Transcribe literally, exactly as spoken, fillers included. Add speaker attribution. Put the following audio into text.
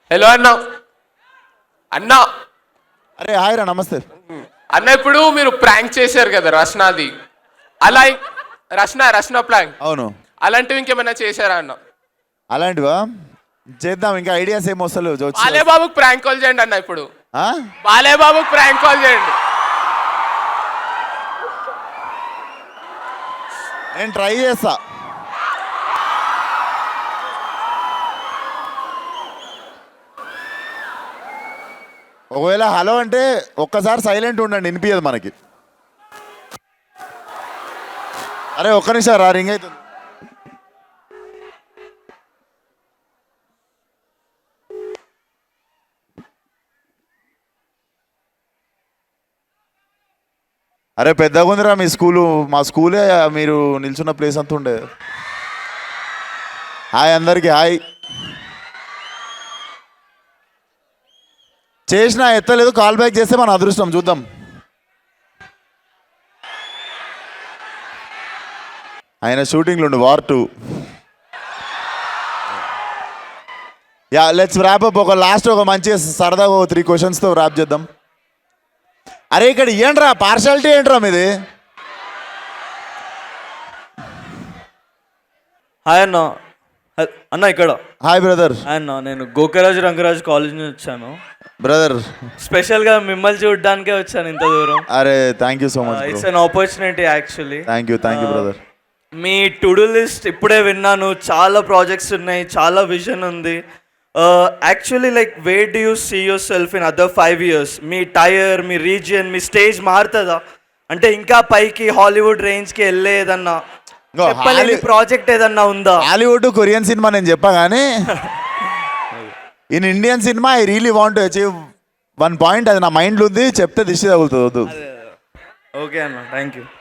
Speaker 1: Hello అన్న అన్న
Speaker 2: అరే హాయ్ రా, నమస్తే
Speaker 1: అన్న. ఇప్పుడు మీరు ప్రాంక్ చేశారు కదా రష్నాది, అలా రష్న రష్న ప్రాంక్,
Speaker 2: అవును.
Speaker 1: అలాంటివి ఇంకేమైనా చేశారా అన్న?
Speaker 2: అలాంటివా చేద్దాం, ఇంకా ఐడియాస్ ఏం వస్తలేవు.
Speaker 1: బాలే బాబుకి ప్రాంక్ కాల్ చేయండి అన్న. ఇప్పుడు
Speaker 2: ఆ?
Speaker 1: బాలే బాబుకి ప్రాంక్ కాల్ చేయండి.
Speaker 2: నేను ట్రై చేస్తా. ఒకవేళ హలో అంటే ఒక్కసారి సైలెంట్ ఉండండి, వినిపించదు మనకి. అరే ఒక్క నిమిషం రా, రింగ్ అవుతుంది. అరే పెద్దగా ఉందిరా మీ స్కూలు, మా స్కూలే మీరు నిల్చున్న ప్లేస్ అంతా ఉండే. హాయ్ అందరికీ హాయ్. చేసినా ఎత్తలేదు, కాల్ బ్యాక్ చేస్తే మన అదృష్టం, చూద్దాం. ఆయన షూటింగ్లు ఉండు, war two. Yeah let's wrap up. ఒక లాస్ట్ ఒక మంచి సరదాగా ఒక త్రీ క్వశ్చన్స్తో ర్యాప్ చేద్దాం. అరే ఇక్కడ ఏంట్రా పార్షాలిటీ ఏంట్రా మీది?
Speaker 3: హాయ్ అన్న. అన్న ఇక్కడ
Speaker 2: హాయ్ బ్రదర్.
Speaker 3: హాయ్ అన్న, నేను గోకరాజ్ రంగరాజ్ కాలేజ్ నుంచి వచ్చాను.
Speaker 2: బ్రదర్
Speaker 3: స్పెషల్గా మిమ్మల్ని చూడడానికే వచ్చాను ఇంత దూరం.
Speaker 2: అరే thank you so much.
Speaker 3: It's an opportunity actually.
Speaker 2: Thank you thank you brother.
Speaker 3: మీ టు డూ లిస్ట్ ఇప్పుడే విన్నాను, చాలా ప్రాజెక్ట్స్ ఉన్నాయి, చాలా విజన్ ఉంది. Actually like where do you see yourself in other five years? మీ టైర్, మీ region, మీ స్టేజ్ మారుతుందా? అంటే ఇంకా పైకి హాలీవుడ్ రేంజ్కి వెళ్ళేదన్నా చెప్పలేని ప్రాజెక్ట్ ఏదన్నా ఉందా?
Speaker 2: హాలీవుడ్ కొరియన్ సినిమా నేను చెప్పా కానీ in Indian cinema I really want to achieve one point. అది నా మైండ్లో ఉంది, చెప్తే దిష్టి తగులుతుంది.
Speaker 3: ఓకే అన్న, థ్యాంక్ యూ.